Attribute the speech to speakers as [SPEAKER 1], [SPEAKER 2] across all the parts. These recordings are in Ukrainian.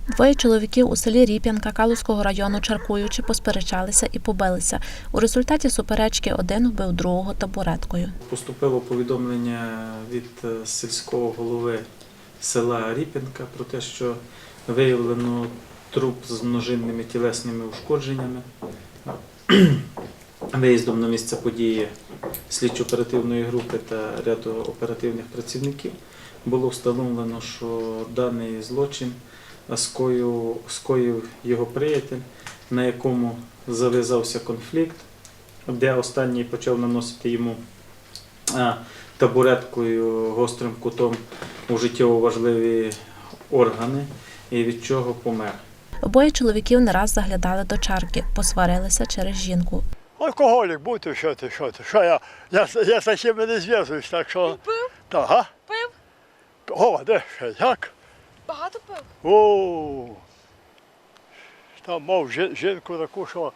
[SPEAKER 1] Двоє чоловіків у селі Ріп'янка Калузького району, чаркуючи, посперечалися і побилися. У результаті суперечки один вбив другого табуреткою.
[SPEAKER 2] Поступило повідомлення від сільського голови села Ріп'янка про те, що виявлено труп з множинними тілесними ушкодженнями. Виїздом на місце події слідчо-оперативної групи та ряду оперативних працівників було встановлено, що даний злочин скоїв його приятель, на якому зав'язався конфлікт, де останній почав наносити йому табуреткою гострим кутом у життєво важливі органи, і від чого помер.
[SPEAKER 1] Обоє чоловіків не раз заглядали до чарки, посварилися через жінку.
[SPEAKER 3] Алкоголік бути, що ти. Що я з таким не зв'язуюсь, так що...
[SPEAKER 4] Пив?
[SPEAKER 3] Так, а?
[SPEAKER 4] Пив?
[SPEAKER 3] О, де ще, як?
[SPEAKER 4] Багато пив?
[SPEAKER 3] О, там мав жінку таку, що...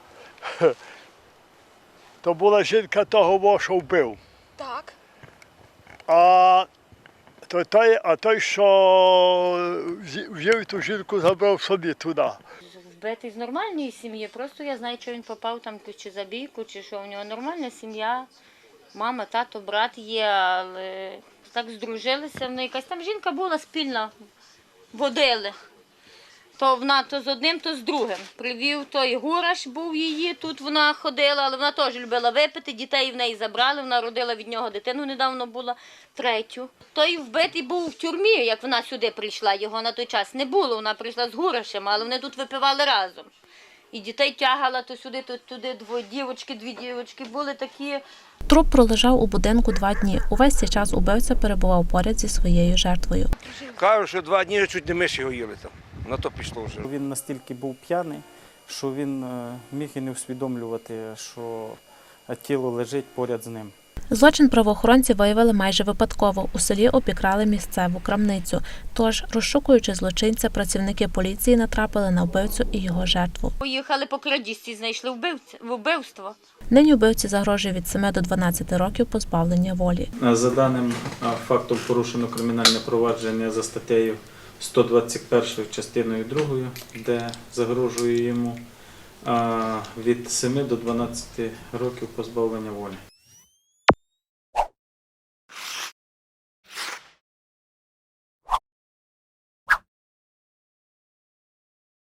[SPEAKER 3] То була жінка того, що вбив.
[SPEAKER 4] Так.
[SPEAKER 3] А той, що взяв ту жінку, забрав собі туди.
[SPEAKER 5] Вбитий з нормальної сім'ї, просто я знаю, що він попав там чи за бійку, чи що. У нього нормальна сім'я, мама, тато, брат є, але так здружилися. Якась там жінка була спільна, водили. То вона то з одним, то з другим. Привів той Гураш, був її, тут вона ходила, але вона теж любила випити, дітей в неї забрали, вона родила від нього дитину, недавно була, третю. Той вбитий був в тюрмі, як вона сюди прийшла, його на той час не було, вона прийшла з Гурашем, але вони тут випивали разом. І дітей тягала то сюди, то туди, дві дівочки були такі.
[SPEAKER 1] Труп пролежав у будинку 2 дні. Увесь цей час убивця перебував поряд зі своєю жертвою.
[SPEAKER 6] Кажуть, що 2 дні чуть не миші гоїли там. На то пішло вже.
[SPEAKER 7] Він настільки був п'яний, що він міг і не усвідомлювати, що тіло лежить поряд з ним.
[SPEAKER 1] Злочин правоохоронці виявили майже випадково. У селі обікрали місцеву крамницю. Тож, розшукуючи злочинця, працівники поліції натрапили на вбивцю і його жертву.
[SPEAKER 5] Поїхали по крадіжці, знайшли вбивство.
[SPEAKER 1] Нині вбивці загрожує від 7 до 12 років позбавлення волі.
[SPEAKER 2] За даним фактом порушено кримінальне провадження за статтею 121 частиною 2, де загрожує йому від 7 до 12 років позбавлення волі.